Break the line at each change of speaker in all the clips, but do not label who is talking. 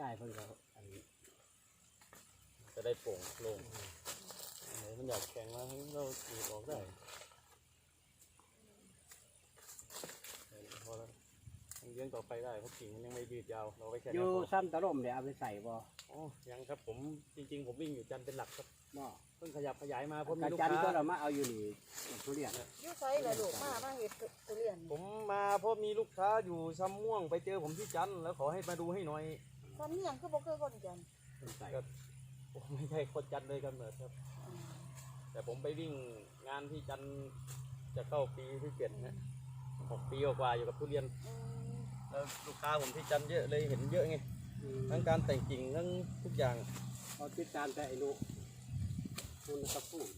จ่ายเพิ่นก็
จะได้โป่งโล่งมันอยากแข็งแล้วเราตีออกได้พอแล้วเลี้ยงต่อไปได้เพราะกิ่งมันยังไม่ยืดยาวเราไว้แค่
อยู่ซ้ำตะล่มเดี๋ยวเอาไปใส่บ่
อ๋อยังครับผมจริงๆผมวิ่งอยู่จันเป็นหลักครับ
บ่
เพิ่งขยับขยายมาเพราะมีลูก
ค้าจันก็
ค้า
เรามาเอาอยู่นี่ทุเรียน
อยู่ไสล่ะลูกมาเฮ็ดทุเรียน
ผมมาเพราะมีลูกค้าอยู่ซ้ำม่วงไปเจอผมที่จันแล้วขอให้มาดูให้หน่อย
ซ้ำยังคือบ่เคยคนจัน
ผมไม่ใช่คนจันเลยกันเหมือนครับแต่ผมไปวิ่งงานที่จันจะเข้าปีที่7นะ6 ปีกว่าอยู่กับทุเรียนแล้วลูกค้าผมที่จันเยอะเลยเห็นเยอะไงทั้งการแต่งกิ่งทั้งทุกอย่าง
เขาติดตามแต่ไอ้ลูกคุณกระปุก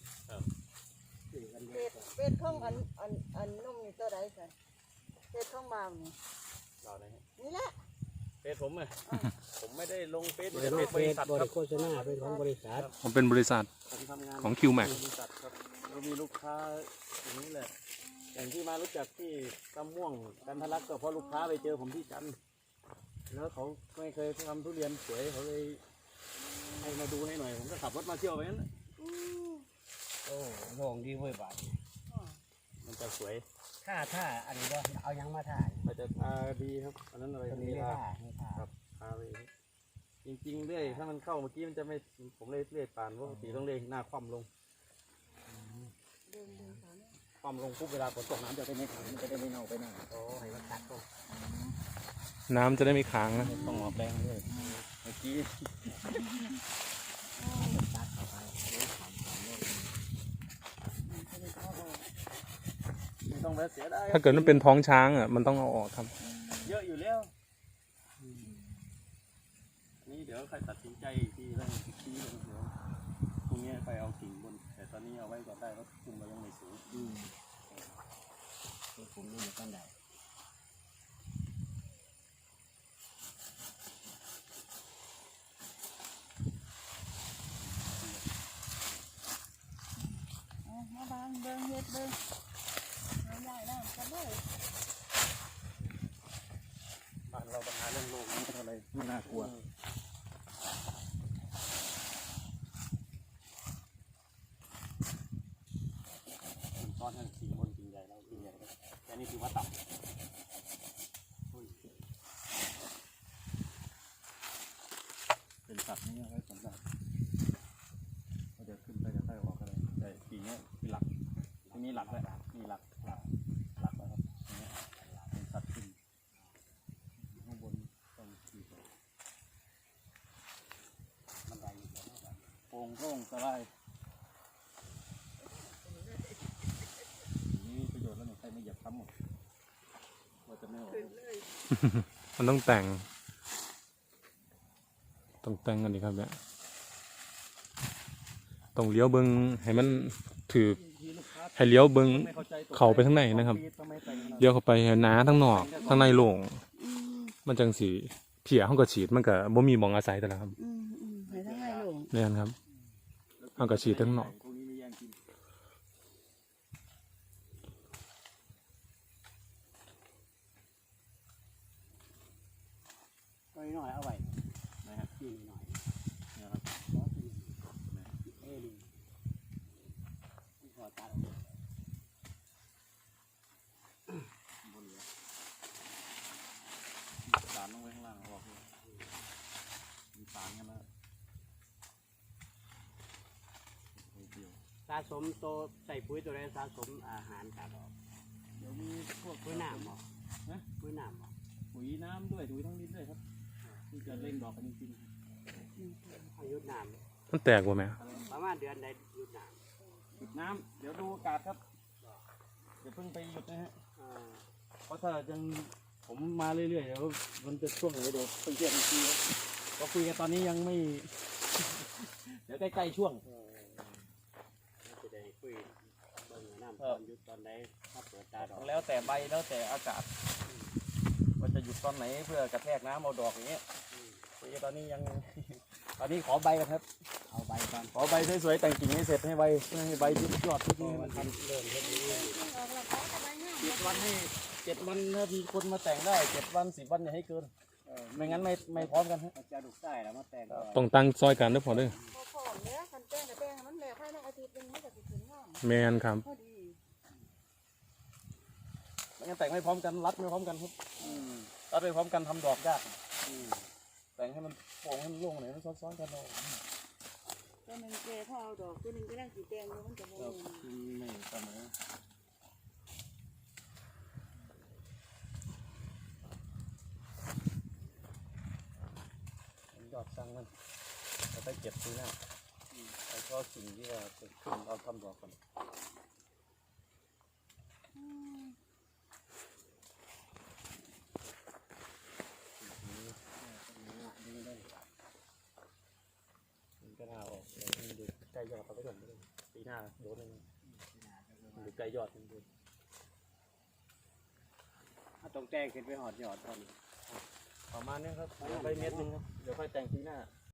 เป็ดของอันนุ่มนี่ตัวใดกันเป็ดของบ่าวนี่
บ่าวไหน
นี่แหละ
เฟซผมอ่ะผมไม่ได้ลงเฟซ
บริษัทบริโภคชนะเป็นของบริษัท
ผมเป็นบริษัทของ QMax
เรามีลูกค้าอย่างนี้แหละอย่างที่มารู้จักที่ตำม่วงกันทะลักก็เพราะลูกค้าไปเจอผมที่จันแล้วเขาไม่เคยทำทุเรียนสวยเขาเลยให้มาดูให้หน่อยผมก็ขับรถมาเที่ยวไปนั้น
โอ้โล่งดีเว้ยบาท
มันจะสวย
ถ้าอันนี้ก็เอายังมาถ่าย
มันจะดีครับอันนั้นอะไร
มีท่า
ครับเลยจริงๆเรื่อยถ้ามันเข้าเมื่อกี้มันจะไม่ผมเลยเลื่อยปานเพราะปกติต้องเลื่อยหน้าคว่ำลงความลงปุ๊บเวลาฝนตกน้ำจะได้ไม่ขังจะได้ไม่เน่าไปหน้าโอ้ให้มันตัดก็
น้ำจะได้ไม่ค้างนะ
ต้องออกแรงด้วยเมื่อกี้ไม่ต้องไปเสียได้
ถ้าเกิดมันเป็นท้องช้างอ่ะมันต้องเอาออกครับ
เยอะอยู่แล้วนี่เดี๋ยวใครตัดสินใจที่เรื่องที่เดี๋ยวพรุ่งนี้ไปเอากิ่งบนแต่ตอนนี้เอาไว้ก่อนได้เพราะคุมเรายังไม่สูง
ผมนี่มันก็ได้
มาบางเบิ่งเฮ็ดเบิ่งเอาใหญ่แล้วกันเลย
บ้านเราปัญหาเรื่องโลกนี่อะไรไม่น่ากลัวตอนนั้นสีบนกิ่งใหญ่แล้วกิ่งใหญ่แต่นี่ถือว่าต่ำเป็นสัตว์นี่ไว้สำหรับเราจะขึ้นไปจะค่อยออกอะไรแต่กิ่งนี้คือหลักที่นี่หลักเลยนี่หลักแล้วครับนี่เป็นสัตว์ขึ้นข้างบนต้องขี่มันไหลอยู่แล้วโป่งโล่งสบายนี่ประโยชน์แล้วหนูใครไม่เหยียบซ้ำหมดเราจะไม่ออก
มันต้องแต่งกันดีครับเนี่ยต้องเลี้ยวเบิ้งให้มันถือให้เลี้ยวเบิ้งเข้าไปข้างในนะครับเลี้ยวเข้าไปหนาทั้งนอกทั้งในโล่งมันจังสีเพียห้องกระฉีดมันก็บ่มีหมองอาศัยแต่ละครับ
ให้ทั้งในโล่ง
เนี่ยครับห้องกระฉีดทั้งนอก
หน่อยเอาไว้นะครับที่หน่อยนะครับขอตัด
บนเหลือสารลงไว้ข้างล่างบอกเลยมีสารกันแล้ว
สะสมโตใส่ปุ๋ยตัวใดสะสมอาหารตัดออก
เดี๋ยวมีพวก
ปุ๋ยน้ำหรอนะปุ๋ยน้ำหรอ
ปุ๋ยน้ำด้วยปุ๋ยทั้งดินด้วยครับที่จะเล่งดอกกันจริง
ๆยุดน้
ำมันแตกว่าไหม
ประมาณเดือนใดยุดน้
ำหยุดน้ำเดี๋ยวดูอากาศครับเดี๋ยวเพิ่งไปหยุดนะฮะเพราะถ้ายังผมมาเรื่อยๆเดี๋ยวมันจะช่วงไหนเดี๋ยวเพิ่งเทียบอีกทีก็คุยกันตอนนี้ยังไม่เดี๋ยวใกล้ๆช่วง
จะได้คุยเบิ่งน้ำตอนยุดตอนใดถ้าเปิดตาดอก
แล้วแต่ใบแล้วแต่อากาศว่าจะหยุดตอนไหนเพื่อกระแทกน้ำเอาดอกอย่างเงี้ยตอนนี้ยังตอนนี้ขอใบกันครับ
เอาใบก่อน
ขอใบสวยๆแต่งกิ่งให้เสร็จให้ใบให้ใบที่ยอดที่นี่มัน
เริ่มเรื่อย
7 วันให้7 วันถ้ามีคนมาแต่งได้7 วัน10 วันอย่าให้เกินไม่งั้นไม่พร้อมกันฮะ
มันจะลูกไส้แล้วมาแต่งก่อน
ต้องตั้งซอยกันเด้อพอเด้อ
พอผอมเนี้ยคันแป้งกับแป้งมันแล้วภายในอาทิตย์นึงมันจะถึงงาม
แมนครับ
พอดี
ไม่งั้นแต่งไม่พร้อมกันรัดไม่พร้อมกันครับ
อืม
รัดไม่พร้อมกันทำดอกยาก
อืม
แต่งให้มันโป่งให้มันโล่งหน่อยมันซ้อนๆกันเอา
ตัวหนึ่งแก่พอเอาดอกตัวหนึ่งก็ได้สีแดงมันจะโม
ครับไม่เสมอยอดสั่งมันเราไปเก็บทีหน้าแล้วก็สิ่งที่เราจะขึ้นเราทำดอกก่อนมันก็น่าออกเดี๋ยวมันดูใกล้ยอดเราไปก่อนปีหน้าโดนเลยดูใกล้ยอดมันดู
ถ้าต้องแต่งขึ้นไปหอดยอดตอนนี้
ประมาณนี้ครับเดี๋ยวไปเม็ดนึงครับเดี๋ยวค่อยแต่งปีหน้า